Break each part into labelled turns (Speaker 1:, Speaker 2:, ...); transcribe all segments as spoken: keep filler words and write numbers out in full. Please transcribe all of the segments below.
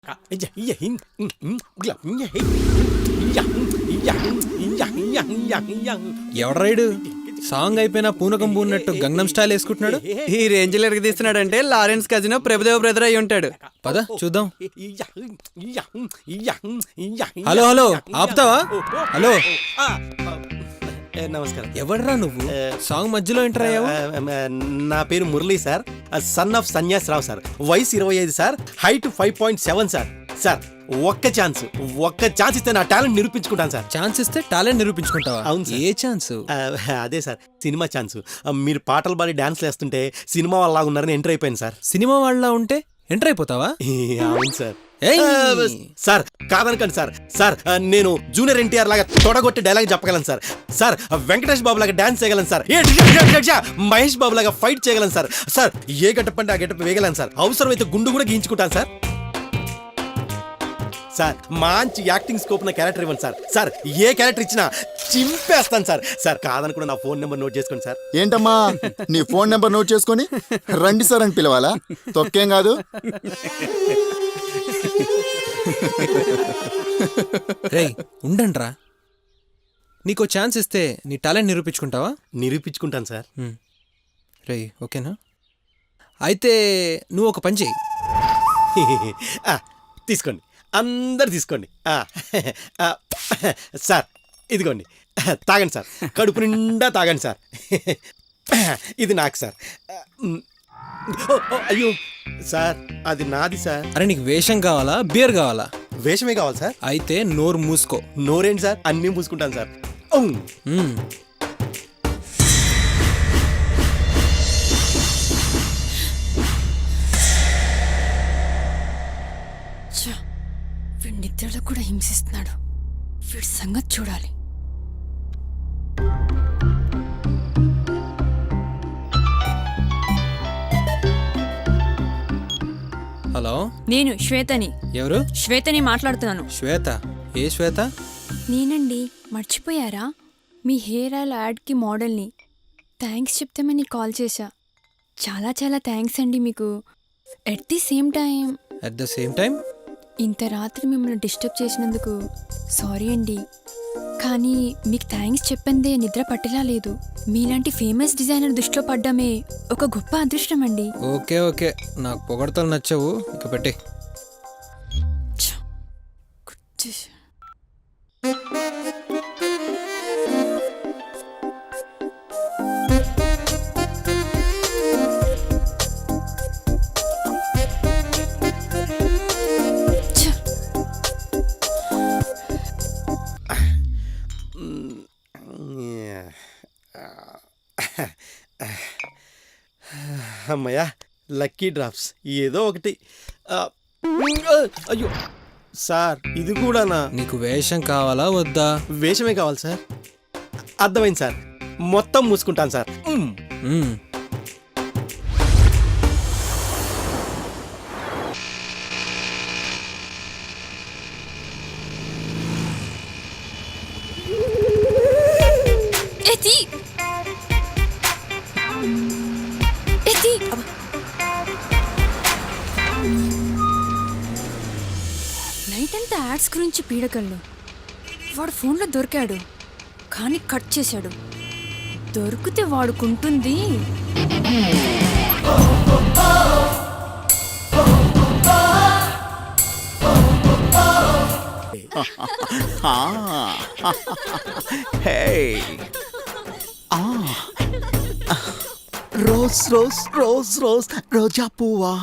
Speaker 1: ఎవడ్రైడు song అయిపోయినా పూనకం పూన్నట్టు గంగనం style వేసుకుంటున్నాడు.
Speaker 2: ఈ రేంజ్ లో తీస్తున్నాడంటే లారెన్స్ కజినో ప్రభుదేవ బ్రదర్ అయి ఉంటాడు.
Speaker 1: పద చూద్దాం. హలో హలో ఆపుతావా? హలో
Speaker 2: నమస్కారం.
Speaker 1: ఎవడ్రా నువ్వు? సాంగ్ మధ్యలో ఎంటర్ అయ్యావు.
Speaker 2: నా పేరు Murali sir, son of Sanyas Rao sir, వయసు ఇరవై ఐదు sir, height five point seven sir. Sir ఒక్క ఛాన్స్ ఒక్క ఛాన్స్ ఇస్తే నా టాలెంట్ నిరూపించుకుంటాను సార్.
Speaker 1: ఛాన్స్ ఇస్తే టాలెంట్ నిరూపించుకుంటావా?
Speaker 2: అవును సార్.
Speaker 1: ఏ ఛాన్స్?
Speaker 2: అదే సార్ సినిమా ఛాన్స్. మీరు పాటలు పాడి డాన్స్లు వేస్తుంటే సినిమా వాళ్ళ ఉన్నారని ఎంటర్ అయిపోయింది సార్.
Speaker 1: సినిమా వాళ్ళ ఉంటే ఎంటర్ అయిపోతావా?
Speaker 2: అవును సార్. సార్ కాదనకండి సార్. సార్ నేను జూనియర్ ఎన్టీఆర్ లాగా తొడగొట్టి డైలాగ్ చెప్పగలను సార్. సార్ వెంకటేష్ బాబు లాగా డాన్స్ చేయగలను సార్. మహేష్ బాబు లాగా ఫైట్ చేయగలను సార్. సార్ ఏ గెటప్ అంటే ఆ గెటప్ వేయగలను సార్. అవసరమైతే గుండు కూడా గీయించుకుంటాను సార్. సార్ మంచి యాక్టింగ్ స్కోప్ ఉన్న క్యారెక్టర్ ఇవ్వండి సార్. సార్ ఏ క్యారెక్టర్ ఇచ్చినా చింపేస్తాను సార్. సార్ కాదనుకున్న నా ఫోన్ నెంబర్ నోట్ చేసుకోండి సార్.
Speaker 3: ఏంటమ్మా నీ ఫోన్ నెంబర్ నోట్ చేసుకొని రండి సార్ అని పిలవాలా? తొక్కేం కాదు.
Speaker 1: రేయ్ ఉండండ్రా, నీకో ఛాన్స్ ఇస్తే నీ టాలెంట్ నిరూపించుకుంటావా?
Speaker 2: నిరూపించుకుంటాను సార్.
Speaker 1: రేయ్ ఓకేనా? అయితే నువ్వు ఒక పని చెయ్యి.
Speaker 2: తీసుకోండి, అందరు తీసుకోండి. సార్ ఇదిగోండి, తాగండి సార్. కడుపు నిండా తాగండి సార్. ఇది నాకు సార్. అయ్యో సార్ అది నాది సార్.
Speaker 1: అరే నీకు వేషం కావాలా బియర్ కావాలా?
Speaker 2: వేషమే కావాలి సార్.
Speaker 1: అయితే నోరు మూసుకో.
Speaker 2: నోరేంటి సార్? అన్నీ మూసుకుంటాను సార్.
Speaker 4: వీడి నిద్రలో కూడా హింసిస్తున్నాడు. వీడి సంగతి చూడాలి.
Speaker 1: హలో
Speaker 4: నేను శ్వేతని.
Speaker 1: ఎవరు?
Speaker 4: శ్వేతని మాట్లాడుతున్నాను.
Speaker 1: శ్వేత? ఏ శ్వేత?
Speaker 4: నేనండి. మర్చిపోయారా? మీ హెయిర్ ఆయిల్ యాడ్కి మోడల్ని. థ్యాంక్స్ చెప్తామని కాల్ చేశా. చాలా చాలా థ్యాంక్స్ అండి మీకు. At the same time
Speaker 1: at the same time
Speaker 4: ఇంత రాత్రి మిమ్మల్ని డిస్టర్బ్ చేసినందుకు సారీ అండి. కానీ మీకు థ్యాంక్స్ చెప్పందే నిద్ర పట్టేలా లేదు. మీలాంటి ఫేమస్ డిజైనర్ దృష్టిలో పడ్డమే ఒక గొప్ప అదృష్టం అండి.
Speaker 1: ఓకే ఓకే, నాకు పొగడతలు నచ్చవు, ఇక పెట్టే.
Speaker 2: అమ్మయ్యా లక్కీ డ్రాప్స్ ఏదో ఒకటి. అయ్యో సార్ ఇది కూడానా?
Speaker 1: నీకు వేషం కావాలా వద్దా?
Speaker 2: వేషమే కావాలి సార్. అర్థమైంది సార్, మొత్తం మూసుకుంటాను సార్.
Speaker 4: నైట్ అంతా యాడ్స్ గురించి పీడకళ్ళు. వాడు ఫోన్లో దొరికాడు కానీ కట్ చేశాడు. దొరికితే వాడుకుంటుంది.
Speaker 3: రోజ్ రోజ్ రోజ్ రోజ్ రోజా పువ్వా.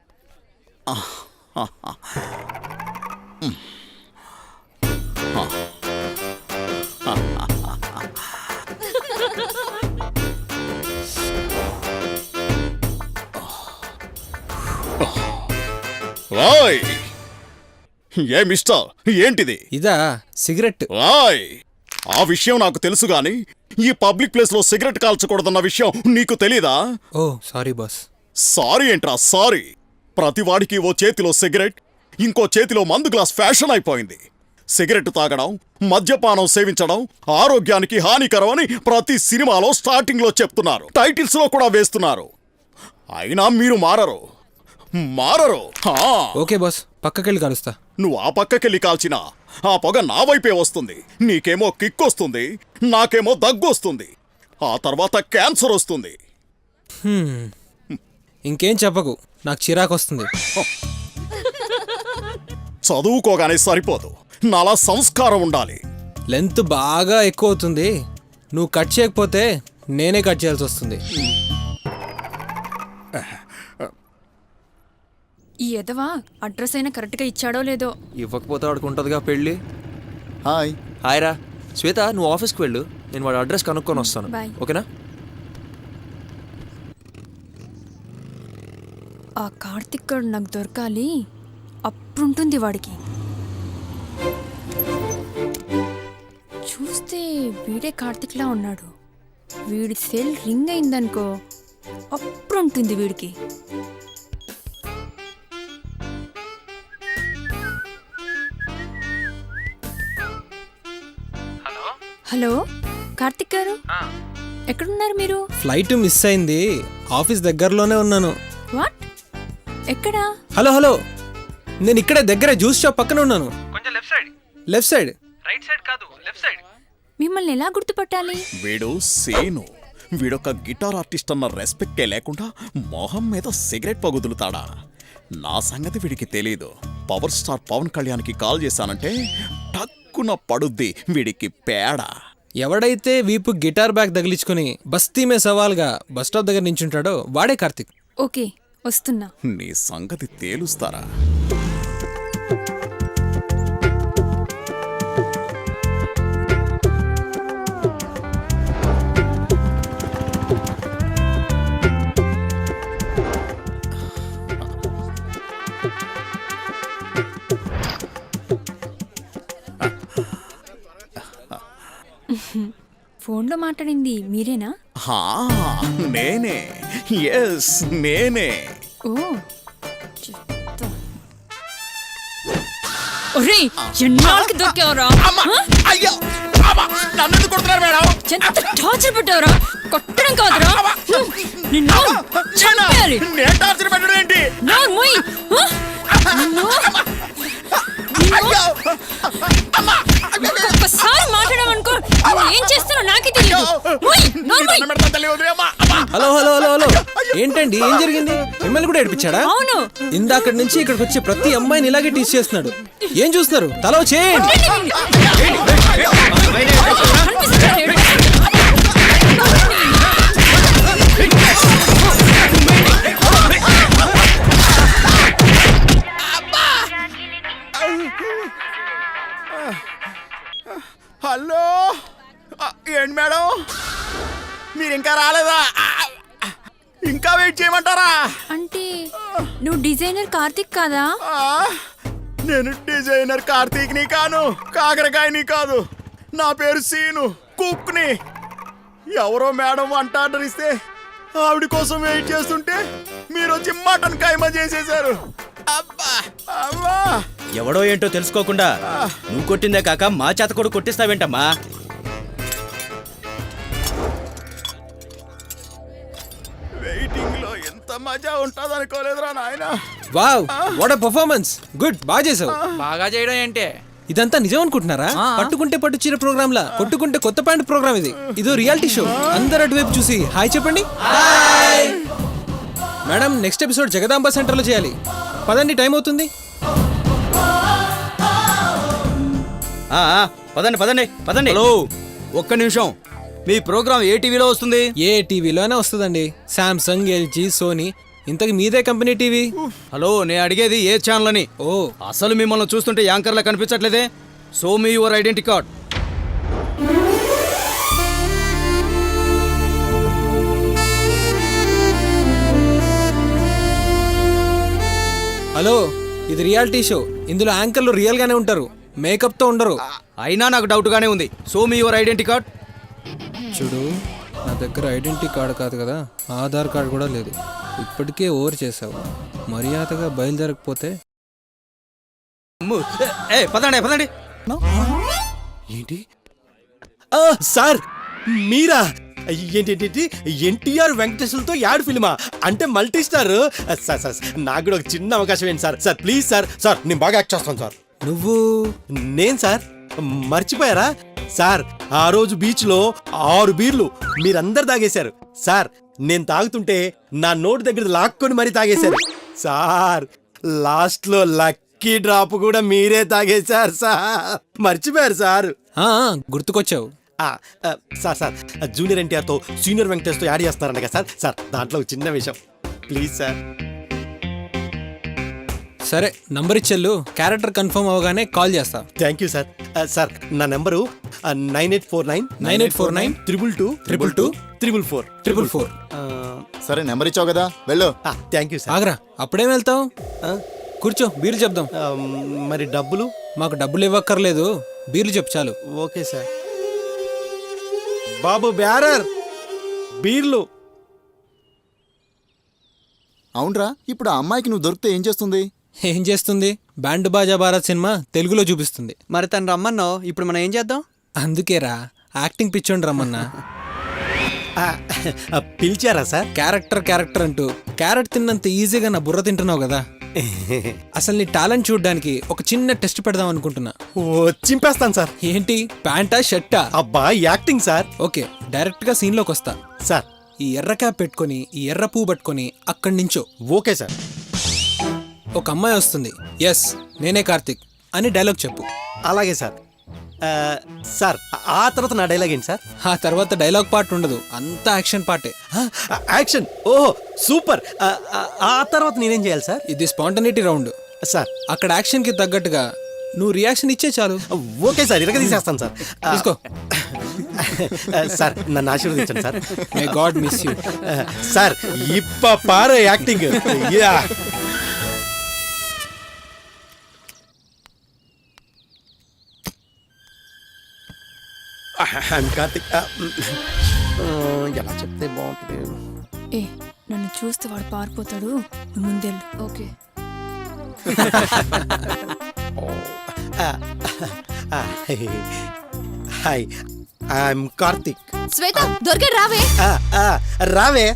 Speaker 5: వాయ్ ఏ మిస్టర్ ఏంటిది?
Speaker 1: ఇదా సిగరెట్.
Speaker 5: వాయ్ ఆ విషయం నాకు తెలుసు గాని ఈ పబ్లిక్ ప్లేస్ లో సిగరెట్ కాల్చకూడదన్న విషయం నీకు తెలీదా?
Speaker 1: ఓ సారీ బాస్.
Speaker 5: సారీ ఏంట్రా సారీ? ప్రతివాడికి ఓ చేతిలో సిగరెట్, ఇంకో చేతిలో మందు గ్లాస్ ఫ్యాషన్ అయిపోయింది. సిగరెట్ తాగడం, మద్యపానం సేవించడం ఆరోగ్యానికి హానికరం అని ప్రతి సినిమాలో స్టార్టింగ్ లో చెప్తున్నారు, టైటిల్స్ లో కూడా వేస్తున్నారు. అయినా మీరు మారరు మారరు.
Speaker 1: ఓకే బాస్ పక్కకెళ్ళి కలుస్తా.
Speaker 5: నువ్వు ఆ పక్కకెళ్ళి కాల్చినా ఆ పొగ నా వైపే వస్తుంది. నీకేమో కిక్ వస్తుంది, నాకేమో దగ్గు వస్తుంది, ఆ తర్వాత క్యాన్సర్ వస్తుంది.
Speaker 1: ఇంకేం చెప్పకు, నాకు చిరాకు వస్తుంది.
Speaker 5: చదువుకోగానే సరిపోదు, నాలా సంస్కారం ఉండాలి.
Speaker 1: లెంత్ బాగా ఎక్కువ అవుతుంది. నువ్వు కట్ చేయకపోతే నేనే కట్ చేయాల్సి వస్తుంది.
Speaker 4: ఈ ఎదవా అడ్రస్ అయినా కరెక్ట్గా ఇచ్చాడో లేదో.
Speaker 6: ఇవ్వకపోతే వాడికి ఉంటుందిగా పెళ్ళి.
Speaker 3: హాయ్.
Speaker 6: హాయ్ రా శ్వేత, నువ్వు ఆఫీస్కి వెళ్ళు, నేను వాడి అడ్రస్ కనుక్కొని వస్తాను.
Speaker 4: బాయ్.
Speaker 6: ఓకేనా?
Speaker 4: ఆ కార్తిక్ గడు నాకు దొరకాలి, అప్పుడుంటుంది వాడికి. చూస్తే వీడే కార్తిక్లా ఉన్నాడు. వీడి సెల్ రింగ్ అయిందనుకో, అప్పుడుంటుంది వీడికి. హలో కార్తిక్ గారు, ఎక్కడున్నారు మీరు?
Speaker 1: ఫ్లైట్ మిస్ అయింది, ఆఫీస్ దగ్గరలోనే ఉన్నాను.
Speaker 4: వాట్? ఎక్కడా?
Speaker 1: హలో హలో, నేను ఇక్కడే దగ్గర జ్యూస్ షాప్ పక్కన ఉన్నాను. కొంచెం left side. Left side? Right side కాదు, లెఫ్ట్ సైడ్.
Speaker 4: మిమ్మల్ని ఎలా గుర్తుపట్టాలి?
Speaker 5: వీడు సేను, వీడొక గిటార్ ఆర్టిస్ట్ అన్న రెస్పెక్టే లేకుండా మొహం మీద సిగరెట్ పగుదులుతాడా? నా సంగతి వీడికి తెలీదు. పవర్ స్టార్ పవన్ కళ్యాణ్కి కాల్ చేశానంటే టక్కున పడుద్ది వీడికి పేడ.
Speaker 1: ఎవడైతే వీపు గిటార్ బ్యాగ్ తగిలించుకుని బస్తీ మే సవాల్గా బస్ స్టాప్ దగ్గర నించుంటాడో వాడే కార్తిక్.
Speaker 4: ఓకే, వస్తున్నా.
Speaker 5: నీ సంగతి తేలుస్తారా?
Speaker 4: ఫోన్లో మాట్లాడింది మీరేనా?
Speaker 5: హా, నేనే. ఎస్, నేనే.
Speaker 4: ఓ చెప్తా. ఒరేయ్, ఎన్నాళ్ళకి దొరికావురా?
Speaker 5: అయ్యో, నన్ను కొడుతున్నారు మేడం.
Speaker 4: ఎంత టార్చర్ పెట్టావురా? కొట్టడం కాదురా, నిన్ను చంపేయాలి.
Speaker 5: నేను టార్చర్ పెట్టడం ఏంటి?
Speaker 4: నోరు మూయ్. నిన్ను ఒక్కసారి మాట్లాడమనుకో, ఏం చేస్తానో నాకే తెలియదు.
Speaker 1: హలో హలో హలో హలో, ఏంటండి, ఏం జరిగింది? మిమ్మల్ని కూడా ఏడిపించాడా?
Speaker 4: అవును.
Speaker 1: ఇందాక నుంచి ఇక్కడికి వచ్చే ప్రతి అమ్మాయిని ఇలాగే టీచ్ చేస్తున్నాడు. ఏం చూస్తున్నారు? తలో చేయండి.
Speaker 5: హలో, ఏంటి మేడం, మీరు ఇంకా రాలేదా? ఇంకా వెయిట్ చేయమంటారా?
Speaker 4: అంటే నువ్వు డిజైనర్ కార్తిక్ కాదా?
Speaker 5: ఆ, నేను డిజైనర్ కార్తీక్ని కాను, కాకరకాయని కాదు. నా పేరు సీను, కుక్ని. ఎవరో మేడం వంట ఆర్డర్ ఇస్తే ఆవిడ కోసం వెయిట్ చేస్తుంటే మీరు వచ్చి మటన్ కైమా చేసేశారు. అబ్బా అబ్బా,
Speaker 2: ఎవడో ఏంటో తెలుసుకోకుండా నువ్వు కొట్టిందే కాక మా చేత కూడా కొట్టిస్తావేంటమ్మా?
Speaker 5: వెయిటింగ్ లో ఎంత మజా ఉంటది అనుకోలేదురా నాయనా.
Speaker 1: Wow, what a performance. Good, బాగా చేసావు.
Speaker 6: బాగా చేయడం ఏంటి?
Speaker 1: ఇదంతా నిజం అనుకుంటున్నారా? పట్టుకుంటే పట్టు చీర ప్రోగ్రామ్ లా, కొట్టుకుంటే కొత్త ప్యాంట్ ప్రోగ్రామ్ ఇది. ఇదో రియాలిటీ షో. అందరు అటువైపు చూసి హాయ్ చెప్పండి. మేడం, నెక్స్ట్ ఎపిసోడ్ జగదాంబ సెంటర్లో చేయాలి. పదండి, టైం అవుతుంది.
Speaker 2: పదండి పదండి పదండి.
Speaker 7: హలో, ఒక్క నిమిషం. మీ ప్రోగ్రామ్ ఏ టీవీలో వస్తుంది?
Speaker 1: ఏ టీవీలోనే వస్తుందండి. Samsung, LG, Sony. ఇంతకు మీదే కంపెనీ టీవీ.
Speaker 7: హలో, నేను అడిగేది ఏ ఛానల్ అని.
Speaker 1: ఓ,
Speaker 7: అసలు మిమ్మల్ని చూస్తుంటే యాంకర్లా కనిపించట్లేదే. Show me your identity card.
Speaker 1: Hello, ఇది రియాలిటీ షో. ఇందులో యాంకర్లు రియల్ గానే ఉంటారు, మేకప్ తో ఉండరు.
Speaker 7: అయినా నాకు డౌట్ గానే ఉంది. Show me your identity card.
Speaker 1: చూడు, నా దగ్గర ఐడెంటిటీ కార్డు కాదు కదా, ఆధార్ కార్డు కూడా లేదు. ఇప్పటికే ఓవర్ చేసావు. మర్యాదగా బయలుదేరకపోతే
Speaker 7: ఏ పదండి పదండి.
Speaker 2: ఏంటి? ఆ, సార్ మీరా? ఏంటి ఏంటి ఎన్టీఆర్ వెంకటేశ్వరతో యాడ్ ఫిల్మా అంటే మల్టీ స్టార్ సార్ సార్ నాకు కూడా ఒక చిన్న అవకాశం ఏంటి sir sir please sir sir నేను బాగా యాక్ట్ చేస్తాను సార్.
Speaker 1: నువ్వు
Speaker 2: నేను సార్ మర్చిపోయారా సార్ ఆ రోజు బీచ్ లో ఆరు బీర్లు మీరందరు తాగేశారు సార్. నేను తాగుతుంటే నా నోటి దగ్గర లాక్కొని మరీ తాగేశారు సార్. లాస్ట్ లో లక్కీ డ్రాప్ కూడా మీరే తాగేశారు సార్. మర్చిపోయారు సార్.
Speaker 1: ఆ, ఆ, గుర్తుకొచ్చావు.
Speaker 2: ఆ, ఆ, సార్ సార్ జూనియర్ ఎన్టీఆర్తో సీనియర్ వెంకటేష్తో యాడ్ చేస్తున్నారంట కదా సార్. సార్ దాంట్లో ఒక చిన్న విషయం ప్లీజ్ సార్.
Speaker 1: సరే నంబర్ ఇచ్చెళ్ళు, క్యారెక్టర్ కన్ఫర్మ్ అవగానే కాల్ చేస్తా.
Speaker 2: Thank you sir. ఆ, సార్ నా number nine eight four nine
Speaker 1: nine eight four nine
Speaker 2: triple two
Speaker 1: triple two
Speaker 2: triple four
Speaker 1: triple four.
Speaker 3: సరే నెంబర్ ఇచ్చావు కదా వెళ్ళు.
Speaker 2: Thank you sir.
Speaker 1: ఆగరా, అప్పుడేం వెళ్తావు?
Speaker 2: ఆ,
Speaker 1: కూర్చో, బీర్లు చెప్దాం.
Speaker 2: ఆ, మరి డబ్బులు?
Speaker 1: మాకు డబ్బులు ఇవ్వక్కర్లేదు, బీర్లు చెప్పు చాలు.
Speaker 2: Okay sir. బాబు బ్యారర్ బీర్లు.
Speaker 3: అవునరా, ఇప్పుడు ఆ అమ్మాయికి నువ్వు దొరికితే ఏం చేస్తుంది?
Speaker 1: ఏం చేస్తుంది? బ్యాండ్ బాజా భారత్ సినిమా తెలుగులో చూపిస్తుంది.
Speaker 7: మరి తను రమ్మన్నావు, ఇప్పుడు మనం ఏం చేద్దాం?
Speaker 1: అందుకేరా యాక్టింగ్ పిచ్చోండి రమ్మన్నా.
Speaker 2: ఆ, ఆ, పిలిచారా సార్?
Speaker 1: క్యారెక్టర్ క్యారెక్టర్ అంటూ క్యారెట్ తిన్నంత ఈజీగా నా బుర్ర తింటున్నావు కదా. అసలు నీ టాలెంట్ చూడడానికి ఒక చిన్న టెస్ట్ పెడదాం అనుకుంటున్నా.
Speaker 2: ఓ చింపేస్తాను సార్.
Speaker 1: ఏంటి, ప్యాంటా షర్టా?
Speaker 2: అబ్బా యాక్టింగ్ సార్.
Speaker 1: ఓకే, డైరెక్ట్ గా సీన్ లోకి వస్తా.
Speaker 2: సార్
Speaker 1: ఈ ఎర్ర క్యాప్ పెట్టుకొని ఈ ఎర్ర పువ్వు పట్టుకొని అక్కడి నుంచో
Speaker 2: ఓకే సార్.
Speaker 1: ఒక అమ్మాయి వస్తుంది, ఎస్ నేనే కార్తిక్ అని డైలాగ్ చెప్పు.
Speaker 2: అలాగే సార్. ఆ, సార్ ఆ తర్వాత నా డైలాగ్ ఏంటి సార్?
Speaker 1: ఆ తర్వాత డైలాగ్ పార్ట్ ఉండదు, అంతా యాక్షన్ పార్టే.
Speaker 2: ఆ, యాక్షన్. ఓహో సూపర్. ఆ, ఆ, ఆ తర్వాత నేనేం చేయాలి సార్?
Speaker 1: ఇది స్పాంటనిటీ రౌండ్.
Speaker 2: సార్
Speaker 1: అక్కడ యాక్షన్ కి తగ్గట్టుగా నువ్వు రియాక్షన్ ఇచ్చే చాలు.
Speaker 2: ఓకే సార్, ఇరగ తీసేస్తాను సార్. ఆ,
Speaker 1: తీసుకో.
Speaker 2: ఆ, సార్ నన్ను ఆశీర్వదించండి sir.
Speaker 1: May God miss you.
Speaker 2: ఆ, సార్ ఇప్ప పారు యాక్టింగ్. Yeah I'm Karthik. ఆ, ఆ, ఎలా చెప్తే బాగుంటుంది?
Speaker 4: ఏ నన్ను చూస్తే వాడు పారిపోతాడు, నువ్వు ముందెళ్ళు. Okay.
Speaker 2: Hi I'm Karthik.
Speaker 4: Shweta దొరికాడు, రావే.
Speaker 2: ఆ, ఆ, రావే.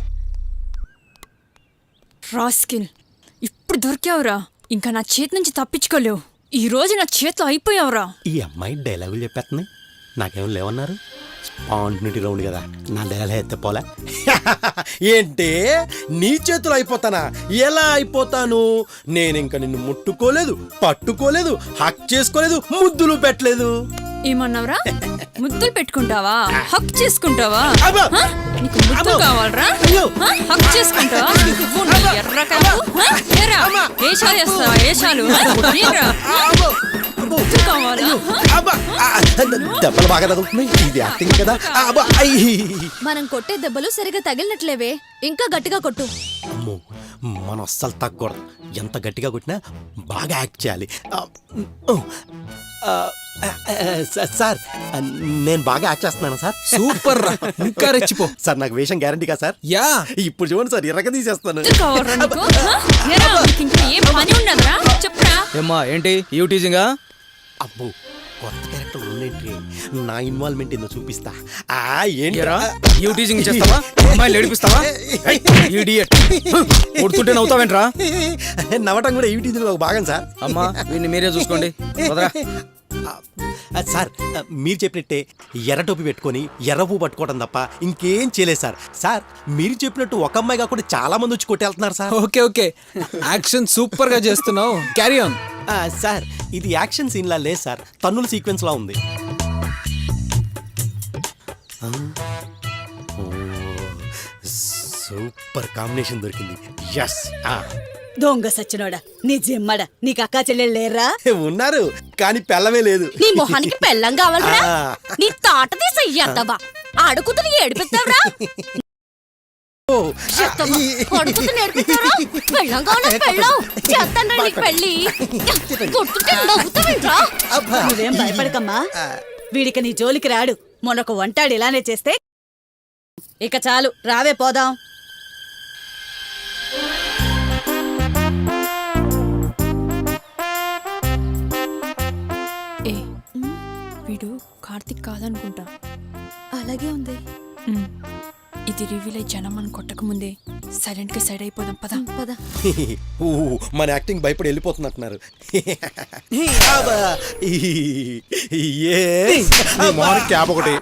Speaker 4: రాస్కిల్, ఇప్పుడు దొరికావురా. ఇంకా నా చేతి నుంచి తప్పించుకోలేవు. ఈ రోజు నా చేతిలో అయిపోయావురా.
Speaker 2: ఈ అమ్మాయి డైలాగులు చెప్పేస్తుంది, నాకేం లేవన్నారు. స్పాంటినిటీ రౌండ్ కదా, నా డైలాగ్ ఎత్తే పోలే. ఏంటి నీ చేతులు అయిపోతానా? ఎలా అయిపోతాను? నేను ఇంకా నిన్ను ముట్టుకోలేదు, పట్టుకోలేదు, హక్ చేసుకోలేదు, ముద్దులు పెట్టలేదు.
Speaker 4: ఏమన్నావురా? ముద్దులు పెట్టుకుంటావా? హక్ చేసుకుంటావా?
Speaker 2: అబ్బా!
Speaker 4: హ? నీకు ముద్దు
Speaker 2: అబ్బో!
Speaker 4: కావాలరా?
Speaker 2: అయ్యో!
Speaker 4: హ? హక్ చేసుకుంటావా? నువ్వు నీ ఎర్ర కాదు. హ? ఏరా, ఏషాలు చేస్తావా? ఏషాలు హ? ఏరా? ముద్దు కావాలా? హ?
Speaker 2: అబ్బా! ఆ, దెబ్బలు బాగా తగులుతున్నాయి. ఇది యాక్టింగ్ కదా. అబ్బా! అయ్యి!
Speaker 8: మనం కొట్టే దెబ్బలు సరిగా తగిలినట్లేవే, ఇంకా గట్టిగా కొట్టు.
Speaker 2: అమ్మో, మనం అస్సలు తగ్గకూడదు. ఎంత గట్టిగా కొట్టినా బాగా యాక్ట్ చేయాలి. ఆ, ఆ, ఆ, సార్ నేను బాగా యాక్ట్ చేస్తున్నాను సార్.
Speaker 1: సూపర్ రా, ఇంకా రెచ్చిపో.
Speaker 2: సార్ నాకు వేషం గ్యారంటీగా సార్?
Speaker 1: యా,
Speaker 2: ఇప్పుడు చూడండి సార్, ఇరగ తీసేస్తాను.
Speaker 4: ముద్దు కావాలరా నీకు? హ? ఏరా, నీకు ఇంకా ఏం పని ఉండదురా? చెప్పురా.
Speaker 7: ఏమ్మా ఏంటి యూ టీజింగా?
Speaker 2: అబ్బో, కొత్త క్యారెక్టర్ ఉన్నేంటి? నా ఇన్వాల్వ్మెంట్ ఏందో చూపిస్తా. ఆ ఏంటి
Speaker 7: ఏరా, యూ టీజింగ్ చేస్తావా? అమ్మాయిలు ఏడిపిస్తావా? ఇడియట్, కొడుతుంటే నవ్వుతావేంట్రా?
Speaker 2: నవ్వటం కూడా ఈటీజీలో ఒక భాగం సార్.
Speaker 7: అమ్మా వీడిని మీరే చూసుకోండి. వదరా.
Speaker 2: ఆ, సార్ ఆ, మీరు చెప్పినట్టే ఎర్ర టోపీ పెట్టుకొని ఎర్ర పువ్వు పట్టుకోవడం తప్ప ఇంకేం చేయలేదు సార్. సార్ మీరు చెప్పినట్టు ఒక అమ్మాయి కాకుండా చాలా మంది వచ్చి కొట్టేళ్తున్నారు sir.
Speaker 1: Okay okay, action super గా చేస్తున్నావు, క్యారీ ఆన్.
Speaker 2: ఆ, సార్ ఇది యాక్షన్ సీన్ లా లేదు సార్, తన్నుల సీక్వెన్స్ లా ఉంది. ఆ, ఓ, సూపర్ కాంబినేషన్ దొరికింది. ఎస్.
Speaker 9: దొంగ సచ్చినోడా, నీ జిమ్మడా, నీకు అక్కా చెల్లెళ్ళు లేరా?
Speaker 2: ఉన్నారు కానీ పెళ్ళమే లేదు.
Speaker 8: నీ మొహానికి పెళ్ళం కావాలరా?
Speaker 2: ఆ.
Speaker 8: నీ తాట తీసయ్యావా? ఆడుకుతుని ఏడిపిస్తావరా?
Speaker 2: ఓ,
Speaker 8: కొడుకుతుని ఏడిపిస్తావరా? పెళ్ళం కావాలా? పెళ్ళం చేస్తాను నీకు పెళ్ళి. కొట్టుకుంటే నవ్వుతావేంట్రా?
Speaker 2: అబ్బా.
Speaker 9: నువ్వేం భయపడకమ్మా, వీడికి నీ జోలికి రాడు. మొన్నొక వంటాడు ఇలానే చేస్తే ఇక చాలు, రావే పోదాం.
Speaker 4: ఏ వీడు కార్తిక్ కాదనుకుంటా.
Speaker 8: అలాగే ఉంది.
Speaker 4: ఉమ్. ఇది రివీల్ అయ్యి జనం మనం కొట్టక ముందే సైలెంట్ గా సైడ్ అయిపోదాం పదా
Speaker 8: పద.
Speaker 2: ఊ, మన యాక్టింగ్ భయపడి వెళ్ళిపోతున్నట్టున్నారు అబ్బా, yes.
Speaker 5: క్యాబ్ ఒకటి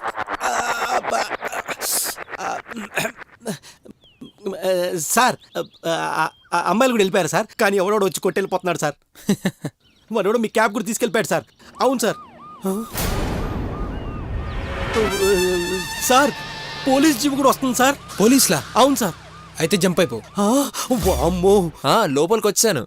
Speaker 2: సార్ ఆ, ఆ, అమ్మాయిలు కూడా వెళ్ళిపోయారు సార్, కానీ ఎవడోడు వచ్చి కొట్టి వెళ్ళిపోతున్నాడు సార్. వాడు మీ క్యాబ్ కూడా తీసుకెళ్ళిపోయాడు సార్. అవును సార్. సార్ పోలీస్ జీప్ కూడా వస్తుంది సార్.
Speaker 1: పోలీసులా?
Speaker 2: అవును సార్.
Speaker 1: అయితే జంప్ అయిపో.
Speaker 2: ఆ, వామ్మో.
Speaker 6: ఆ, లోపలికి వచ్చాను.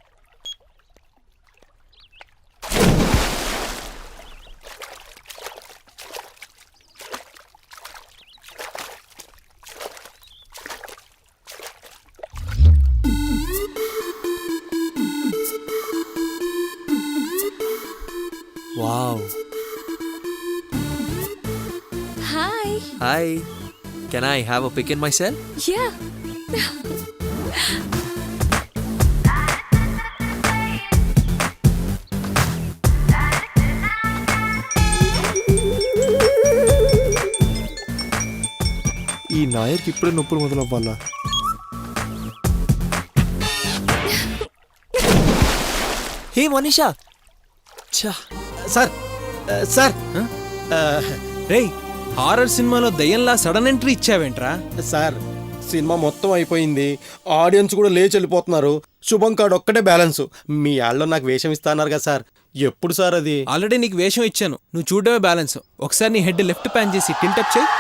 Speaker 6: Wow.
Speaker 8: Hi.
Speaker 6: Hi. Can I have a pick in my cell?
Speaker 8: Yeah.
Speaker 2: ఈ నాయర్కి ఇప్పుడే నొప్పులు మొదలవ్వాలా?
Speaker 6: హే మనీషా. ఛా.
Speaker 2: సార్ ఆ, సార్ ఆ,
Speaker 1: రేయ్, హారర్ సినిమాలో దయ్యంలా సడన్ ఎంట్రీ ఇచ్చావేంట్రా?
Speaker 2: సార్ సినిమా మొత్తం అయిపోయింది, ఆడియన్స్ కూడా లేచి వెళ్ళిపోతున్నారు, శుభం కార్డ్ ఒక్కటే బ్యాలెన్స్. మీ ఆళ్ళలో నాకు వేషం ఇస్తాన్నారు కదా సార్, ఎప్పుడు సార్ అది?
Speaker 1: ఆల్రెడీ నీకు వేషం ఇచ్చాను, నువ్వు చూడమే బ్యాలెన్స్. ఒకసారి నీ హెడ్ లెఫ్ట్ ప్యాన్ చేసి టిల్టప్ చేయి.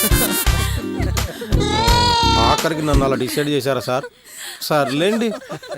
Speaker 2: ఆఖరికి నన్ను అలా డిసైడ్ చేశారా సార్? సర్లేండి.